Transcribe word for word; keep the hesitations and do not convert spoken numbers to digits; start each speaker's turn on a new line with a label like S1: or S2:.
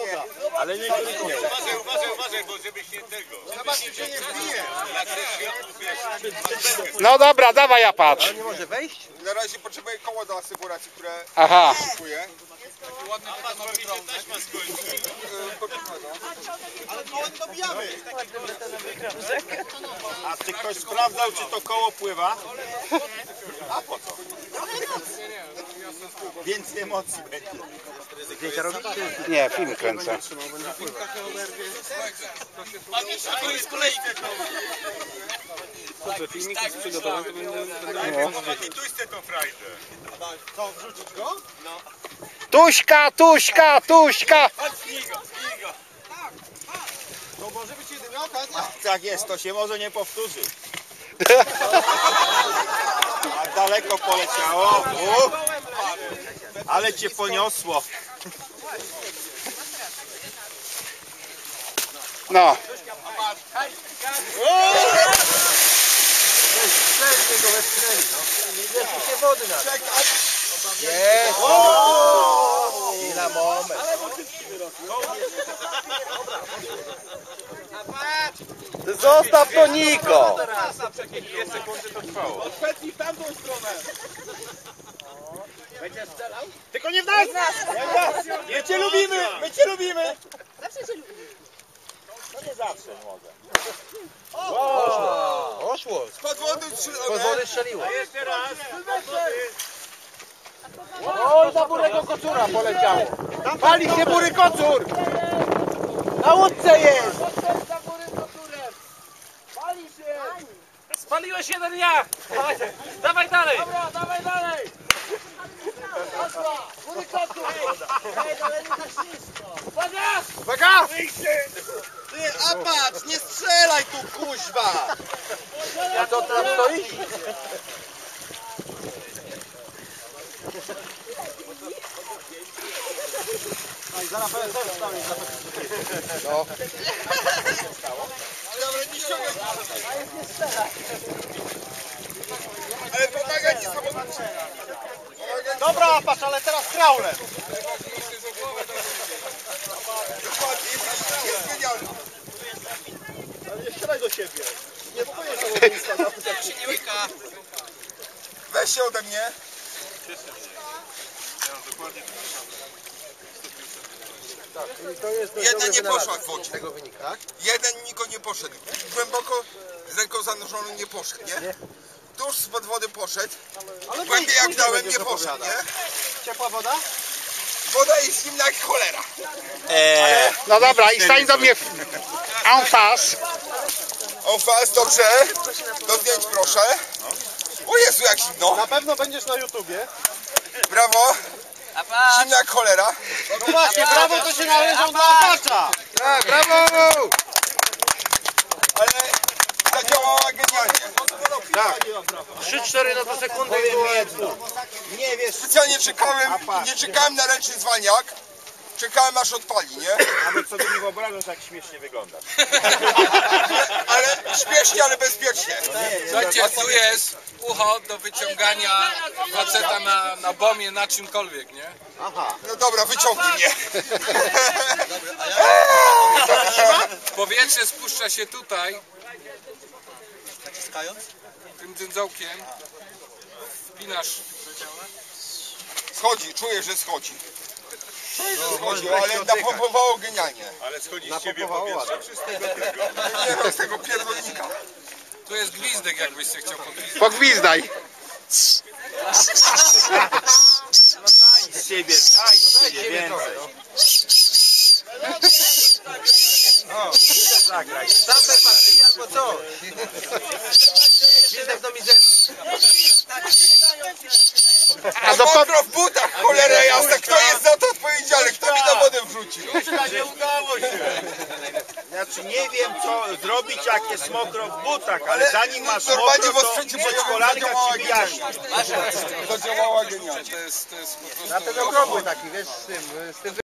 S1: Ale nie kliknie.
S2: Uważaj, uważaj, uważaj, bo żebyś nie tego.
S3: Zobaczcie, czy nie wbije.
S4: No dobra, dawaj ja patrz.
S3: Ale nie może wejść?
S1: Na razie potrzebuję koło do asekuracji, które
S4: Aha.
S1: kupuję.
S2: Ładny betonowy prąd. Też ma skończyć.
S3: Ale koło nie dobijamy.
S1: A czy ktoś sprawdzał, czy to koło pływa? A po co? Więcej emocji będzie.
S3: Zdjęcia robić?
S4: Nie, film kręcę.
S2: Panie Szaku jest kolejka.
S3: Filmik jest przygotowany, to będę...
S2: I tu jest tą frajdę.
S3: Co, wrzucić go?
S4: Tuśka, Tuśka, Tuśka!
S3: To może być jedyna okazja.
S1: Tak jest, to się może nie powtórzy. A daleko poleciało. U, ale cię poniosło.
S4: No.
S3: Wcześniej go wepchnęli. Jeszcze się wody na. Jest! I na moment. Zostaw to Niko!
S2: Dwie sekundy to trwało.
S3: Odpędź w tamtą stronę. Będziesz strzelał?
S1: Tylko nie w nas! My cię lubimy! My cię lubimy! No nie zawsze mogę.
S3: Poszło! Poszło!
S1: Pod wody strzelone.
S3: Pod wody strzeliło.
S2: Jeszcze raz.
S3: Oj, za burego kocura poleciało. Pali się bury kocur! Na łódce jest!
S5: Spaliłeś jeden ja! Dawaj, dawaj dalej!
S3: Dobra, dawaj dalej! Bury kocur!
S5: Uwaga!
S3: Uwaga! Ty, a patrz, nie strzelaj tu, kuźwa! A co tam stoi? Zaraz będę też stawić za to. No.
S1: Ale nie ściągaj. Ale pomaga ci samochód.
S3: Dobra, patrz, ale teraz kraulem.
S1: Dokładnie, jest, jest genialny.
S3: Ale nie strzelaj do siebie. Nie pokoję samochodnictwa.
S1: Weź się ode mnie. Jedna nie poszła w wodzie.
S3: Tego wynika, tak?
S1: Jeden Niko nie poszedł. Głęboko z ręką zanurzoną nie poszedł, nie? Tuż spod wody poszedł.
S3: Ale
S1: Głębiej jak dałem nie poszedł, nie?
S3: Ciepła woda?
S1: Woda jest zimna jak cholera.
S4: No dobra, i stań do mnie w en face.
S1: O fast, dobrze. Do zdjęć proszę. O Jezu, jak zimno.
S3: Na pewno będziesz na YouTubie.
S1: Brawo. Zimna jak cholera.
S3: No właśnie, brawo to się należą dla opacza.
S1: Tak, brawo. Ale zadziałała genialnie.
S3: Tak. trzy cztery na dwa sekundy i było jedno.
S1: Nie wiesz, specjalnie czekałem, nie czekałem na ręczny zwalniak. Czekałem aż odpali, nie?
S6: Nawet sobie nie wyobrażasz, jak śmiesznie wyglądasz.
S1: Ale śmiesznie, ale bezpiecznie.
S7: Słuchajcie, tu jest ucho do wyciągania faceta na, na bomie, na czymkolwiek, nie?
S3: Aha.
S1: No dobra, wyciągnij mnie.
S7: Powietrze spuszcza się tutaj,
S3: Naciskając?
S7: tym dzyndzałkiem. Wpinasz.
S1: Schodzi, czuję, że schodzi. Czuję, że schodzi, ale napompowało genialnie.
S6: Ale schodzi z ciebie powietrze, czy z tego tylko?
S1: Nie no, z tego pierdolnika.
S7: Tu jest gwizdek, jakbyś się chciał pogwizdać.
S4: Pogwizdaj.
S6: Z siebie, daj z siebie więcej.
S3: O, chcesz zagrać. Zapę partii albo co? Gwizdek do mizery.
S1: A do mokro w butach, cholera jasna. Kto jest za to odpowiedzialny? Kto mi na wodę wrzucił?
S6: Nie udało się. Znaczy nie wiem, co zrobić, jak jest mokro w butach, ale zanim masz
S1: normalnie
S6: mokro,
S1: w
S6: to
S1: osprzęcie
S6: przedszkolanka
S1: zadziałała
S6: ci wyjaśni.
S1: Zadziałała genialnie.
S7: To jest, to jest po prostu...
S3: Na ten okrągły taki, wiesz, z tym, z tym